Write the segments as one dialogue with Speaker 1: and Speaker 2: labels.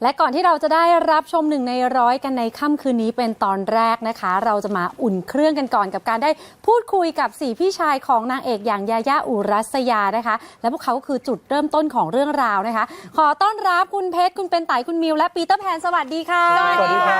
Speaker 1: และก่อนที่เราจะได้รับชม1 ใน 100กันในค่ำคืนนี้เป็นตอนแรกนะคะเราจะมาอุ่นเครื่องกันก่อนกับการได้พูดคุยกับ4พี่ชายของนางเอกอย่างยาย่าอุรัสยานะคะและพวกเขาก็คือจุดเริ่มต้นของเรื่องราวนะคะขอต้อนรับคุณเพชรคุณเป็นไต่คุณมิวและปีเตอร์แพนสวัสดีค่ะ
Speaker 2: สวัสดีครับ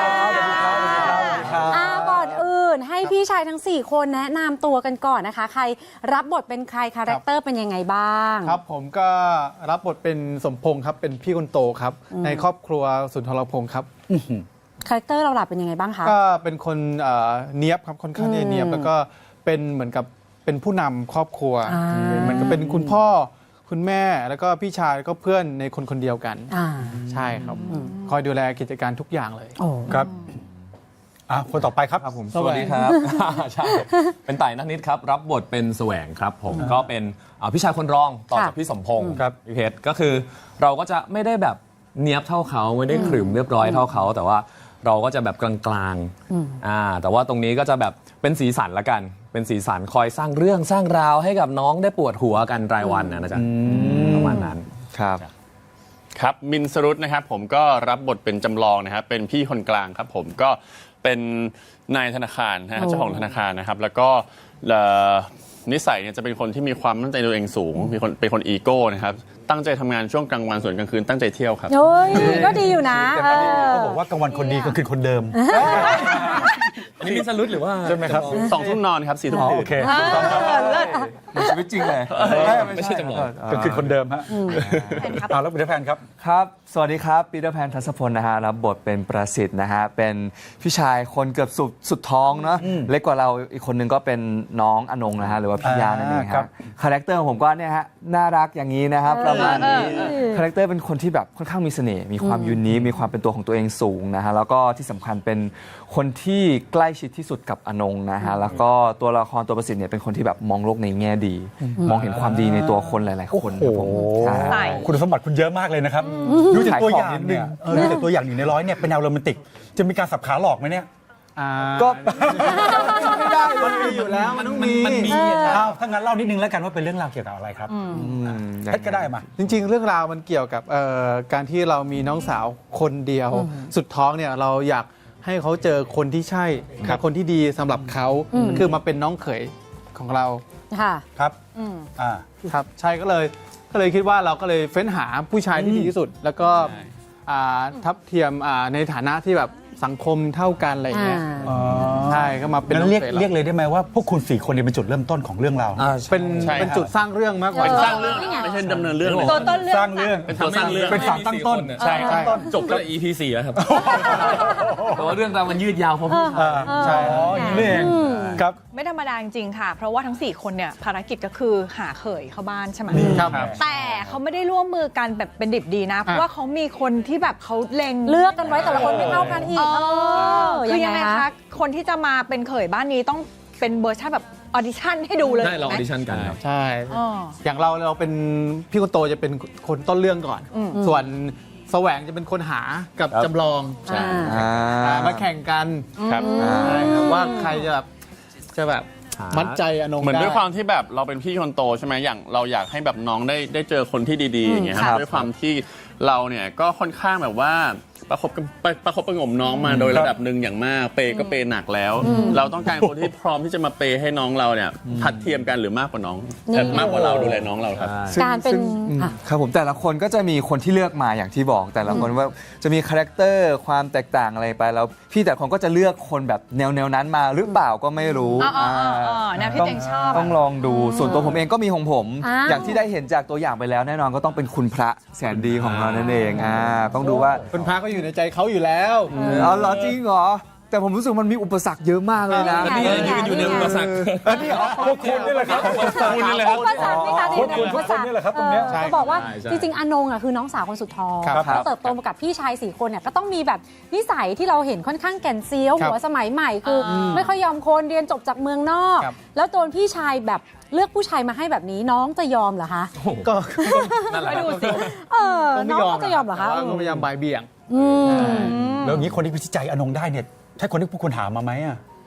Speaker 1: ก่อนอื่นให้พี่ชายทั้ง4คนแนะนำตัวกันก่อนนะคะใครรับบทเป็นใครคาแรคเตอร์เป็นยังไงบ้าง
Speaker 2: ครับผมก็รับบทเป็นสมพงษ์ครับเป็นพี่คนโตครับในครอบครัวสุนทรพงษ์ครับ
Speaker 1: คาแรคเตอร์เราหลับเป็นยังไงบ้างคะ
Speaker 2: ก็เป็นคนเนียบครับค่อนข้างเนียบแล้วก็เป็นเหมือนกับเป็นผู้นำครอบครัวเหมือนกับเป็นคุณพ่อคุณแม่แล้วก็พี่ชายแล้วก็เพื่อนในคนเดียวกันใช่ครับคอยดูแลกิจการทุกอย่างเลย
Speaker 3: ครับคนต่อไปครับ
Speaker 4: ผมสวัสดีครับใช่เป็นไต่นักนิดครับรับบทเป็นแสวงครับผมก็เป็นพี่ชายคนรองต่อจากพี่สมพงษ์ครับพี่เพชรก็คือเราก็จะไม่ได้แบบเนียบเท่าเขาไม่ได้ขรึมเรียบร้อยเท่าเขาแต่ว่าเราก็จะแบบกลางๆแต่ว่าตรงนี้ก็จะแบบเป็นสีสันละกันเป็นสีสันคอยสร้างเรื่องสร้างราวให้กับน้องได้ปวดหัวกันรายวันนะจ๊ะประมาณนั้น
Speaker 5: ครับมินสรุตนะครับผมก็รับบทเป็นจำลองนะครับเป็นพี่คนกลางครับผมก็เป็นนายธนาคารนะเจ้าของธนาคารนะครับแล้วก็นิสัยเนี่ยจะเป็นคนที่มีความมั่นใจตัวเองสูงเป็นคนอีโก้นะครับตั้งใจทำงานช่วงกลางวันส่วนกลางคืนตั้งใจเที่ยวครับ
Speaker 1: ก็ดีอยู่นะ
Speaker 3: เขาบอกว่ากลางวันคนดีกลางคืนคนเดิม
Speaker 4: อันนี้มินสรุตหรือว่า
Speaker 3: ใช่ไหมครับ
Speaker 5: 2 ทุ่มนอนครับ4 ทุ่มตื่น
Speaker 3: โอเค
Speaker 4: ในชีวิตจริงเลยไม่ใช่จำลอง
Speaker 3: กลางคืนคนเดิมฮะแล้วปีเตอร์แพนครับ
Speaker 6: ครับสวัสดีครับปีเตอร์แพนทัศพลนะฮะรับบทเป็นประสิทธิ์นะฮะเป็นพี่ชายคนเกือบสุดท้องเนาะเล็กกว่าเราอีกคนนึงก็เป็นน้องอนงนะฮะหรือว่าพี่ยานั่นเองครับคาแรคเตอร์ของผมก็เนี่ยฮะน่ารักอย่างนี้นะครับประมาณนี้คาแรคเตอร์เป็นคนที่แบบค่อนข้างมีเสน่ห์มีความยูนิคมีความเป็นตัวของตัวเองสูงนะฮะแล้วก็ที่สำคัญเป็นคนที่ใกล้ชิดที่สุดกับอนงนะฮะแล้วก็ตัวละครตัวประสิทธิ์เนี่ยเป็นคนที่แบบมองโลกในแง่ดีมองเห็นความดีในตัวคนหลายๆคนครับผม
Speaker 3: คุณสมบัติคุณเยอะมากเลยนะครับดูจากตัวอย่างเนี่ยดูจากตัวอย่าง1 ใน 100เนี่ยเป็นแนวโรแมนติกจะมีการสับขาหลอกไหมเนี่ย
Speaker 2: ก็ไม่ได้มันมีอยู่แล้วมันต้องมี
Speaker 3: ถ้างั้นเล่านิดนึงแล้วกันว่าเป็นเรื่องราวเกี่ยวกับอะไรครับเพชรก็ได้มา
Speaker 2: จริงๆเรื่องราวมันเกี่ยวกับการที่เรามีน้องสาวคนเดียวสุดท้องเนี่ยเราอยากให้เขาเจอคนที่ใช่คนที่ดีสำหรับเขาคือมาเป็นน้องเขยของเรา
Speaker 3: ครับ
Speaker 2: ครับใช่ก็เลยคิดว่าเราก็เลยเฟ้นหาผู้ชายที่ดีที่สุดแล้วก็ทับเทียมในฐานะที่แบบสังคมเท่ากันอะไรอย่างเงี้ยใช่ก็มาเป็น
Speaker 3: เรียกเลยได้ไหมว่าพวกคุณ4 คนเนี่ยเป็นจุดเริ่มต้นของเรื่องราว
Speaker 2: เป็นจุดสร้างเรื่องมากกว่า
Speaker 5: สร้างเรื่องไม่ใช่ดำเนินเรื่องเลย
Speaker 1: ตัวต้นเรื่อง
Speaker 3: สร้างเรื่อง
Speaker 5: เป็นตัวสร้างเรื่อง
Speaker 3: เป็นฝั่งตั้งต้น
Speaker 4: ใช่จบก็ EP 4แล้วครับแต่ว่าเรื่องราวมันยืดยาวเพราะพี่
Speaker 3: ใช่อย่างนี้เองครับ
Speaker 7: ไม่ธรรมดาจริงๆค่ะเพราะว่าทั้ง4 คนเนี่ยภารกิจก็คือหาเขยเข้าบ้านใช่ไหมแต่เขาไม่ได้ร่วมมือกันแบบเป็นดิบดีนะเพราะว่าเขามีคนที่แบบเขาเล็ง
Speaker 1: เลือกกันไว้แต่ละคนไม่เท่ากันอีก
Speaker 7: คือยังไงคะคนที่จะมาเป็นเขยบ้านนี้ต้องเป็นเวอร์ชันแบบออดิชั่นให้ดูเลย
Speaker 4: ได้เราออดิชั่นกันครับ
Speaker 2: ใช่อย่างเราเป็นพี่คนโตจะเป็นคนต้นเรื่องก่อนส่วนแสวงจะเป็นคนหากับจำลองมาแข่งกันว่าใครจะแบบมัดใจอนง
Speaker 5: เหมือนด้วยความที่แบบเราเป็นพี่คนโตใช่ไหมอย่างเราอยากให้แบบน้องได้เจอคนที่ดีๆอย่างเงี้ยครับด้วยความที่เราเนี่ยก็ค่อนข้างแบบว่าประคบประงมน้องมาโดยระดับหนึ่งอย่างมากเปย์ก็เปย์หนักแล้วเราต้องการคนที่พร้อมที่จะมาเปย์ให้น้องเราเนี่ยทัดเทียมกันหรือมากกว่าน้องมากกว่าเราดูแลน้องเราครับ
Speaker 1: การเป็น
Speaker 6: ครับผมแต่ละคนก็จะมีคนที่เลือกมาอย่างที่บอกแต่ละคนว่าจะมีคาแรคเตอร์ความแตกต่างอะไรไปแล้วพี่แต่คนก็จะเลือกคนแบบแนวนั้นมาหรือเปล่าก็ไม่รู้
Speaker 7: แนวที่ตัวเองชอบ
Speaker 6: ต้องลองดูส่วนตัวผมเองก็มีของผมอย่างที่ได้เห็นจากตัวอย่างไปแล้วแน่นอนก็ต้องเป็นคุณพระแสนดีของเรานั่นเองต้องดูว่า
Speaker 2: คุณพระก็อยู่ในใจเขาอยู่แล้ว
Speaker 6: เหรอจริงเหรอแต่ผมรู้สึกมันมีอุปสรรคเยอะมากเลยนะ
Speaker 4: นี่ยืนอยู่ในอุปสรรค
Speaker 3: นี่พวกคุณนี่แหละครับ
Speaker 1: คุณนี่แหละครับ
Speaker 3: คุณนี่แหละครับตรงนี้
Speaker 1: เขาบอกว่าจริงๆอนงคือน้องสาวคนสุดท้องเขาเติบโตมากับพี่ชาย4 คนเนี่ยก็ต้องมีแบบนิสัยที่เราเห็นค่อนข้างแก่นเซียวหัวสมัยใหม่คือไม่ค่อยยอมคนเรียนจบจากเมืองนอกแล้วโดนพี่ชายแบบเลือกผู้ชายมาให้แบบนี้น้องจะยอมเหรอคะ
Speaker 2: ก็
Speaker 1: ไปดูสิน้องจะยอมเหรอคะ
Speaker 2: ก็พยายามบ่ายเบี่ยง
Speaker 3: แล้วอย่างนี้คนที่พิจิตใจอนงได้เนี่ยใช่คนที่พวกคุณหามาไหม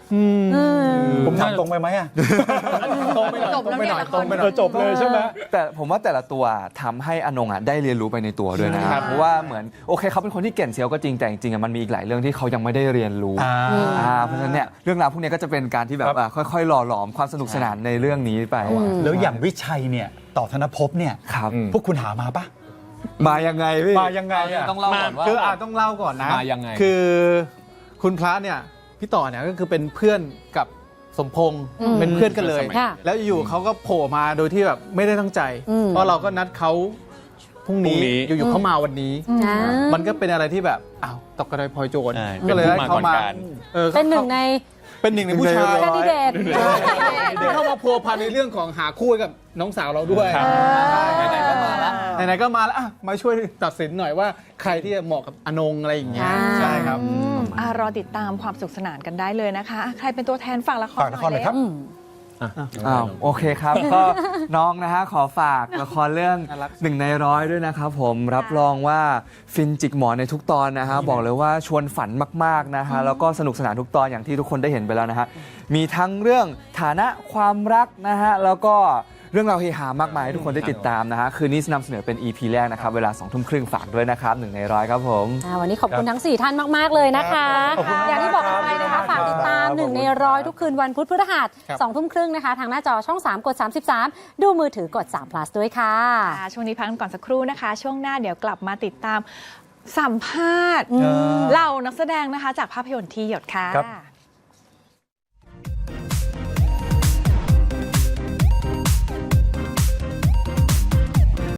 Speaker 3: ผมถามตรงไปไหมอะ
Speaker 2: ตรงไปหน่อย
Speaker 7: จบแล้วเนี่ยละคร
Speaker 2: ตรงไปหน่อย
Speaker 3: จบเลยใช่ไหม
Speaker 6: แต่ผมว่าแต่ละตัวทำให้อนงได้เรียนรู้ไปในตัวด้วยนะครับเพราะว่าเหมือนโอเคเขาเป็นคนที่เก่งเซียวก็จริงแต่จริงๆมันมีอีกหลายเรื่องที่เขายังไม่ได้เรียนรู้เพราะฉะนั้นเนี่ยเรื่องราวพวกนี้ก็จะเป็นการที่แบบค่อยๆหล่อหลอมความสนุกสนานในเรื่องนี้ไป
Speaker 3: แล้วอย่างวิชัยเนี่ยต่อธนภพเนี่ย
Speaker 6: ครับ
Speaker 3: พวกคุณหามาปะ
Speaker 6: มายังไงพี่
Speaker 3: มายังไงอะ
Speaker 4: ต้องเล่าก่อนว่า
Speaker 2: คือต้องเล่าก่อนนะ
Speaker 4: มายังไง
Speaker 2: คือคุณพระเนี่ยพี่ต่อเนี่ยก็คือเป็นเพื่อนกับสมพงษ์เป็นเพื่อนกันเลย
Speaker 1: ค่ะ
Speaker 2: แล้วอยู่เขาก็โผล่มาโดยที่แบบไม่ได้ตั้งใจ เพราะเราก็นัดเขาพรุ่งนี้อยู่ๆเขามาวันนี้ มันก็เป็นอะไรที่แบบอ้าวตกกระไดพลอยโจร
Speaker 5: ใช่
Speaker 2: ก็เลยได้
Speaker 5: เป็น
Speaker 2: เขา
Speaker 5: ผู้มาก่
Speaker 2: มา
Speaker 5: อนการ
Speaker 1: เป็นหนึ่งใน
Speaker 2: เป็นหนึ่งในผู้ชาย
Speaker 1: แคนดิเดต
Speaker 2: ที่เข้ามาพัวพันในเรื่องของหาคู่ให้กับน้องสาวเราด้วย
Speaker 4: ไหนๆก็มาแล้ว
Speaker 2: ไหนๆก็มาแล้วอ่ะมาช่วยตัดสินหน่อยว่าใครที่จะเหมาะกับอนงอะไรอย่างเงี้ยใช่ครับ
Speaker 7: รอติดตามความสุขสนานกันได้เลยนะคะใครเป็นตัวแทนฝากละคร
Speaker 3: ฝากละครหน่อยครับ
Speaker 6: โอเคครับ ก็น้องนะฮะขอฝากละครเรื่อง
Speaker 2: น่ารัก
Speaker 6: 1 ใน 100ด้วยนะครับผมรับรองว่าฟินจิกหมอนในทุกตอนนะฮะบอกเลยว่าชวนฝันมากๆนะฮะแล้วก็สนุกสนานทุกตอนอย่างที่ทุกคนได้เห็นไปแล้วนะฮะมีทั้งเรื่องฐานะความรักนะฮะแล้วก็เรื่องราวเฮฮามากมายให้ทุกคนได้ติดตามนะฮะคืนนี้นำเสนอเป็น EP แรกนะครับเวลา 20:30 ฝากด้วยนะครับ1 ใน 100ครับผม
Speaker 1: วันนี้ขอบคุณทั้ง 4 ท่านมาก ๆ เลยนะคะ
Speaker 3: ขอบคุณมาก
Speaker 1: อย่างที่บอกกันไปนะคะ ฝากติดตาม 1 ใน 100 ทุกคืนวันพุธพฤหัส
Speaker 2: ครับ
Speaker 1: 20:30 นะคะ ทางหน้าจอช่อง 3 กด 33 ดูมือถือกด3 plus ด้วยค่ะ
Speaker 7: ช่วงนี้พักกันก่อนสักครู่นะคะ ช่วงหน้าเดี๋ยวกลับมาติดตามสัมภาษณ์เหล่านักแสดงนะคะ จากภาพยนตร์ที่หยดค่ะ